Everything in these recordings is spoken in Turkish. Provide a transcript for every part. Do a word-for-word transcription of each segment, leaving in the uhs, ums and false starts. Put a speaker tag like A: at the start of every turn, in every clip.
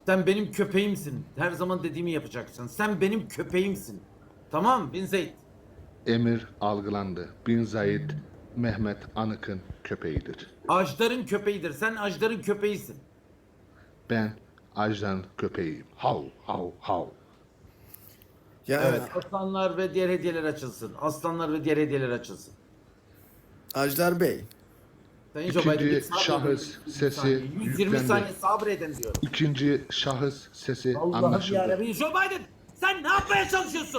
A: Sen benim köpeğimsin. Her zaman dediğimi yapacaksın. Sen benim köpeğimsin. Tamam Bin Zeyd.
B: Emir algılandı. Bin Zayid, Mehmet Anık'ın köpeğidir.
A: Ajdar'ın köpeğidir. Sen Ajdar'ın köpeğisin.
B: Ben Ajdar'ın köpeğiyim. Hav hav hav.
C: Ya
A: Evet. Aslanlar ve diğer hediyeler açılsın. Aslanlar ve diğer hediyeler açılsın.
C: Ajdar Bey.
A: Sayın Joe Biden,
B: İkinci
A: bir sabredin.
B: şahıs
A: yüz yirmi
B: sesi
A: saniye. yüz yirmi
B: yüklendi.
A: saniye sabredin diyorum.
B: İkinci şahıs sesi
A: Allah'ım
B: anlaşıldı.
A: yarabbim. Joe Biden, sen ne yapmaya çalışıyorsun?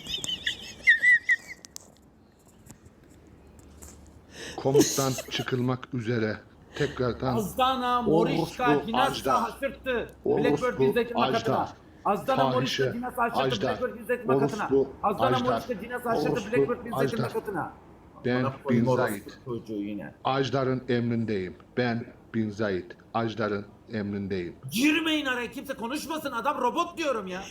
B: Komuttan çıkılmak üzere tekrardan
A: Azdana, Morişka,
B: Orospu
A: Dinas'la
B: Ajdar.
A: haşırttı.
B: Orospu
A: Blackbird izletim
B: Ajdar.
A: makatına. Azdana, Morişka,
B: Fahişe
A: Dinas'la haşırttı.
B: Ajdar.
A: Blackbird izletim makatına.
B: Orospu
A: Azdana,
B: Ajdar.
A: Morişka, Dinas'la haşırttı.
B: Orospu
A: Blackbird izletim
B: Ajdar.
A: makatına.
B: Ben
A: Bana koyayım
B: Bin
A: orospu
B: Zayid.
A: çocuğu yine.
B: Ajdar'ın emrindeyim. Ben Bin Zayid. Ajdar'ın emrindeyim.
A: Girmeyin araya, kimse konuşmasın. Adam robot diyorum ya.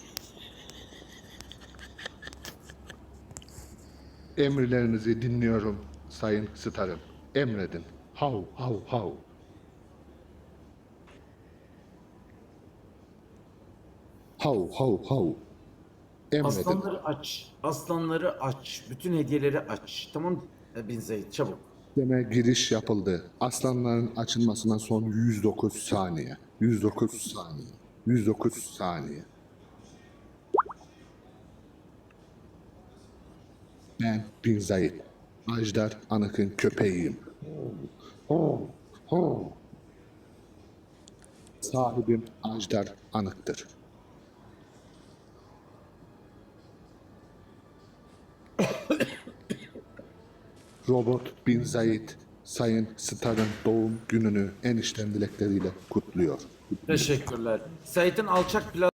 B: Emirlerinizi dinliyorum Sayın Starım. Emredin. Hav hav hav. Hav hav hav. Emredin.
A: Aslanları aç. Aslanları aç. Bütün hediyeleri aç. Tamam Bin Zeyd, çabuk.
B: Deme giriş yapıldı. Aslanların açılmasına son yüz dokuz saniye. yüz dokuz saniye. yüz dokuz saniye. Ben Bin Zayid. Ajdar Anık'ın köpeğiyim. Sahibim Ajdar Anık'tır. Robot Bin Zayid, Sayın Star'ın doğum gününü en içten dilekleriyle kutluyor.
A: Teşekkürler. Said'in alçak plan